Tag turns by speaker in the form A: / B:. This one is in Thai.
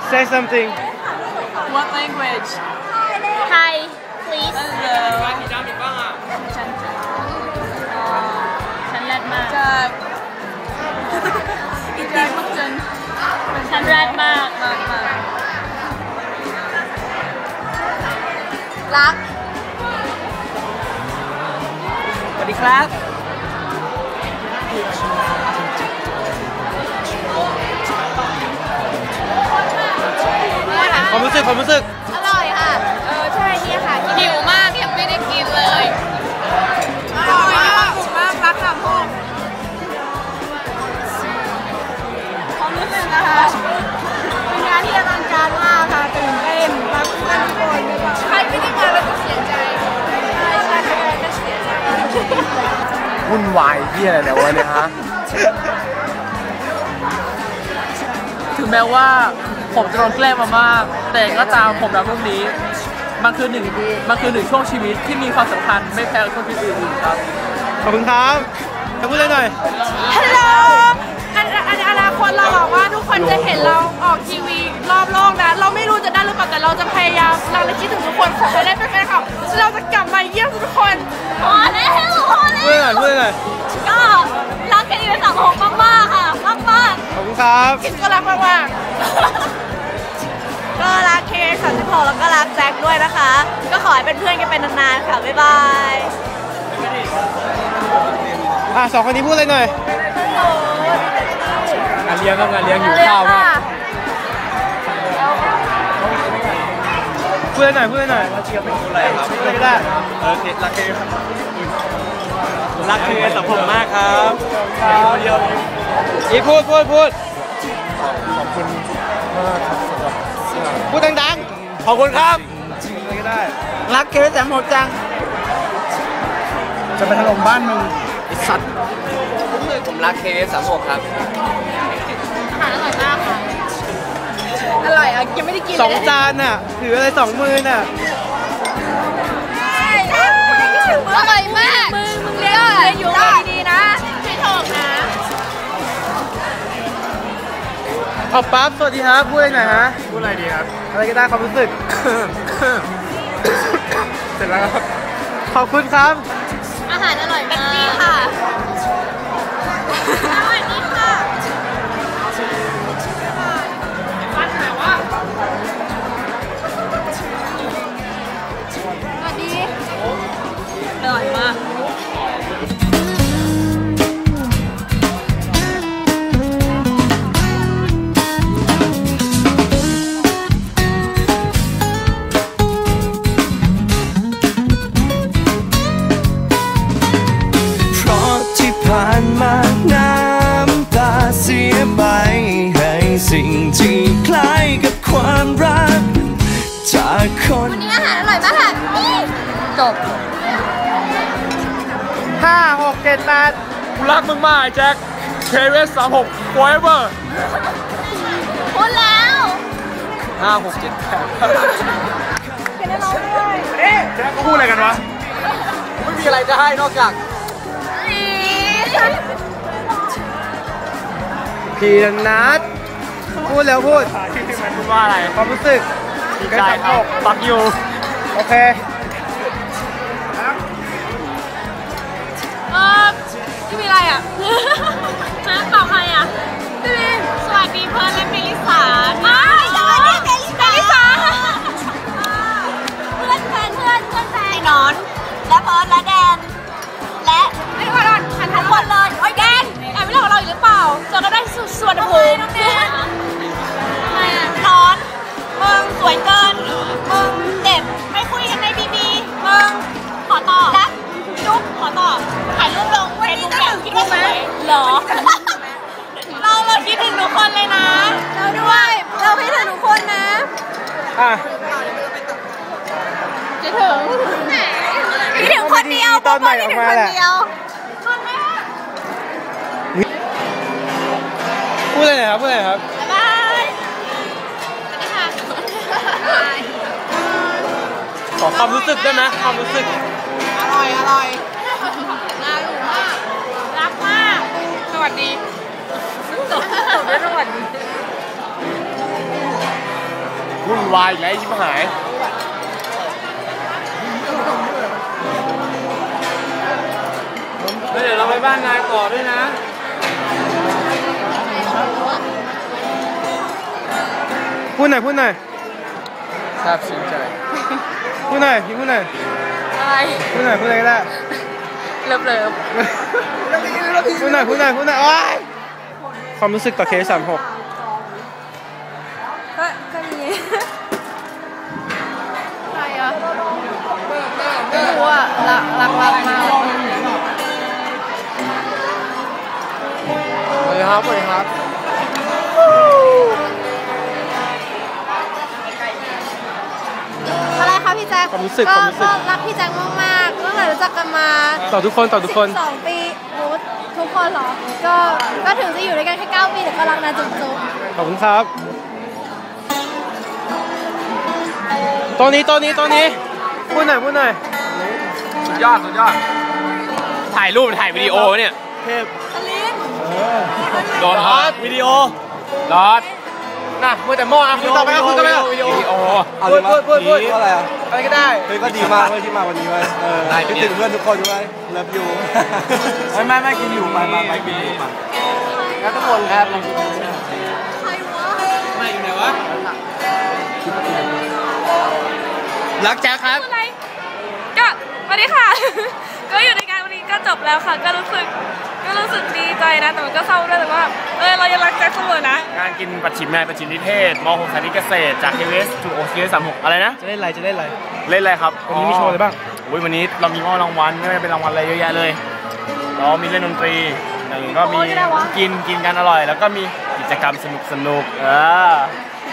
A: Say something.
B: What language?
C: Hi, please.
B: Hello.
C: ฉันแรดมาก
B: จากมักจน
C: ฉันแรดมาก
B: รักสวัสดีครับ
A: ความรู้สึก
C: อร่อยค่ะ ใช่เนี่ยค่ะหิวมากยังไม่ได้กินเลย
B: อร่อยมากรักสามพงความรู้สึกนะคะเป็นงานที่อลังการมากค่ะตื่นเต้นรักเพื่อนทุกคนใครไม่ได้มาแล้วก็เสียใจใช่ก็เสียใจ
A: วุ่นวายที่อะไรเนี่ยวันนี้ฮะ
D: ถึงแม้ว่าผมจะโดนแกล้งมามากแต่ก็ตามผมรักพวกนี้มันคือหนึ่งช่วงชีวิตที่มีความสำคัญไม่แพ้ช่วงชีวิตอื่นๆครับ
A: ขอบคุณครับจะพูดอะไรหน่อย
B: ฮัลโหลอนาคตเราหวังว่าทุกคนจะเห็นเราออกทีวีรอบโลกนะเราไม่รู้จะได้หรือเปล่าแต่เราจะพยายามเราเลยคิดถึงทุกคนขอให้ได้เป็นแฟนคลับเราจะกลับมาเยี่ยมทุกคน
C: พอแล้ว
A: พูดหน่อย
C: ก็รักกันอยู่สังคมมากๆค่ะมาก
A: ขอบคุณครับ
B: คิดก็รักมากก็รักKX36แล้วก็รักแจ็คด้วยนะคะก็ขอให้เป็นเพื่อนกันเป็นนานๆค่ะบ๊ายบาย
A: สองคนนี้พูดอะไรหน่อยงานเลี้ยงอยู่ข้าวมากพูดอะไรหน่อยเชียร์เป็นอะไรครับพูดอะไรก็ได้รักคือสังคมมากครับอีพูดขอบคุณมากครับสำหรับพูดดังๆขอบคุณครับอะไรก็ได้
D: รักKX36จัง
A: จะไปถล่มบ้านมึงไอ้สัตว์
D: ผมรักKX36ครับ
C: อาหารอร่อยมากค่ะ
B: อร่อยอ่ะยังไม่ได้กิน
A: 2 จานน่ะถืออะไร2 มือน่ะ
C: อร่อยมาก
B: มึงเรียนอยู่ดีๆนะ
C: ไม่ถูกนะ
A: เอาปั๊บสวัสดีครับพูดอะไรหน่อยฮะพูดอะไรดีครับอะไรก็ได้ความรู้สึกเสร็จแล้วครับขอบคุณครับ
C: อาหารอร่อยมากดีค่ะอร่อยดีค่ะ
B: วันไหนวะสวัสดีอร่อยมาก
E: ผ่านมาน้ำตาเสียไปให้สิ่งที่คล้ายกับความรักจากคน
C: วันนี้อาหารอร่อยมากค่ะจบ
A: 5 6 7 8
D: กูรักมึงมากแจ็คKX36 forever
C: พูดแล้ว
D: 5 6 7 8
B: เป็นอะไรด้วย
A: แจ็คเขาพูดอะไรกันวะ
D: ไม่มีอะไรจะให้นอกจาก
A: พี่นัทพูดแล้วพูด
D: ว่าอะไร
A: ความรู้สึก
D: ดีใจครับปักอยู่
A: โอเค
B: ที่มีอะไรอ่ะ
C: น้ำเปล่าใครอ่ะ
B: พี่มี
C: สวัสดีเพื่อนและเมลิสา
B: สวัสดีเมลิสา
C: เพื่อนแฟนไอ้นอนและเพิร์ดและแดนและ
B: ไม่ว่าเราหัน
C: ทุกคนเลยโอ้ยแดน
B: แอบไม่เล่าเราอยู่หรือเปล่าเจอก็ได้ส่วนภูมิ
C: นอนมึงสวยเกินมึงเด็บไม่คุยกันในBBมึงขอต่อและจุ๊บขอต่อถ่ายรูปลงเฟซบุ๊กแบบคิดว่าสวยเหรอเราคิดถึงทุกคนเลยนะ
B: เราด้วยเราคิดถึงทุกคนนะ
C: คิดถึงคนเดียว
A: ตอนใหม่ออกมาแหละพูดอะไรครับ
C: บ๊ายบาย
A: ขอความรู้สึกได้ไหมความรู้สึก
B: อร่อยน่ารู้มากรักมากสวัสดีจบด้วยสวัสดี
A: วุ่นวายอีกแล้วชิบหายเดี๋ยวเราไปบ้านนายต่อด้วยนะพูดหน่อยพูดหน่อยทราบซึ้งใจพูดหน่อยพี่พูดหน่อย
B: อะไร
A: พูดหน่อยพูดหน่อยก็ได้
B: เลิฟ
A: พูดหน่อยพูดหน่อยพูดหน่อยโอ๊ยความรู้สึกต่อเคส36
B: ก็มีใครอ่ะไม่รู้อ่ะรักมาก
A: สวัสดีครับสวัสดีครับ
B: อะไรคะพี่แจ็ค
A: ความรู้สึก
B: ก็รักพี่แจ็คมากๆตั้งแต่รู้จักกันมา
A: ต่อทุกคนต่อทุกคน
B: 12 ปีทุกคนเหรอก็ถึงจะอยู่ด้วยกันแค่9 ปีแต่ก็รักนะจุ๊บ
A: ขอบคุณครับตัวนี้พูดหน่อยสุดยอดถ่ายรูปถ่ายวิดีโอเนี่ยเทพโดนฮอตวิดีโอรอดน่ะพูดแต่หม้อคุณต่อไปคุณต่อไปวิดีโอพูดอะไรอ่ะอะไรก็ได้เฮ้ยก็ดีมากที่มาวันนี้ไว้คิดถึงเพื่อนทุกคนด้วยเลิฟยูไม่กินอยู่ไปกินอยู่ไปแล้วทุกคนครับไม่อยู่ไหนวะรักแจ๊คครับ
B: อะไรก็สวัสดีค่ะ ก็อยู่ในการวันนี้ก็จบแล้วค่ะก็รู้สึกดีใจนะแต่มันก็เศร้าด้วยแต่ว่าเรายังรักแจ็คเสมอนะ
A: งานกินปัจฉิมนายปัจฉิมนิเทศม.6 คณิตเกษตรจาก KVS ถูก OCS 36อะไรนะจะเล่นอะไรครับวันนี้มีโชว์อะไรบ้างวันนี้เรามีมอบรางวัลไม่ว่าเป็นรางวัลอะไรเยอะแยะเลยเรามีเล่นดนตรีอย่างนี้ก็มีกินกันอร่อยแล้วก็มีกิจกรรมสนุก